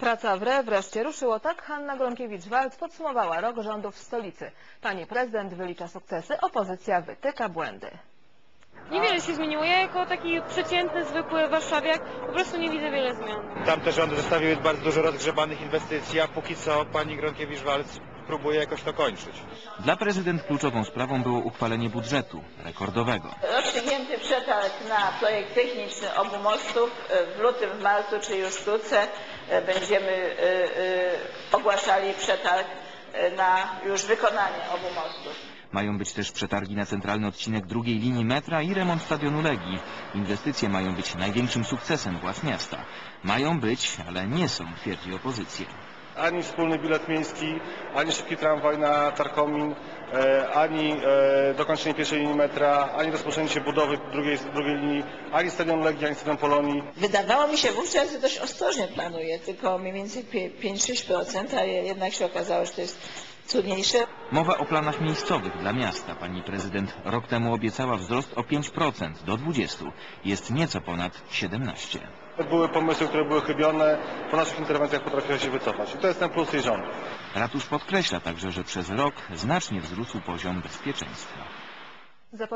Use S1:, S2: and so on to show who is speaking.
S1: Praca w RE wreszcie ruszyło. Tak Hanna Gronkiewicz-Waltz podsumowała rok rządów w stolicy. Pani prezydent wylicza sukcesy, opozycja wytyka błędy.
S2: Niewiele się zmieniło. Ja jako taki przeciętny, zwykły warszawiak po prostu nie widzę wiele zmian.
S3: Tamte rządy zostawiły bardzo dużo rozgrzebanych inwestycji, a póki co pani Gronkiewicz-Waltz próbuje jakoś to kończyć.
S4: Dla prezydent kluczową sprawą było uchwalenie budżetu rekordowego.
S5: Rozstrzygnięty przetarg na projekt techniczny obu mostów. W lutym, w marcu, czy już wkrótce będziemy ogłaszali przetarg na już wykonanie obu mostów.
S4: Mają być też przetargi na centralny odcinek drugiej linii metra i remont stadionu Legii. Inwestycje mają być największym sukcesem władz miasta. Mają być, ale nie są, twierdzi opozycja.
S6: Ani wspólny bilet miejski, ani szybki tramwaj na Tarkomin, ani dokończenie pierwszej linii metra, ani rozpoczęcie budowy drugiej linii, ani stadion Legii, ani stadion Polonii.
S5: Wydawało mi się wówczas, że dość ostrożnie planuje, tylko mniej więcej 5-6%, a jednak się okazało, że to jest trudniejsze.
S4: Mowa o planach miejscowych dla miasta. Pani prezydent rok temu obiecała wzrost o 5% do 20%. Jest nieco ponad 17%.
S6: Były pomysły, które były chybione, po naszych interwencjach potrafiła się wycofać. I to jest ten plus jej rządu.
S4: Ratusz podkreśla także, że przez rok znacznie wzrósł poziom bezpieczeństwa.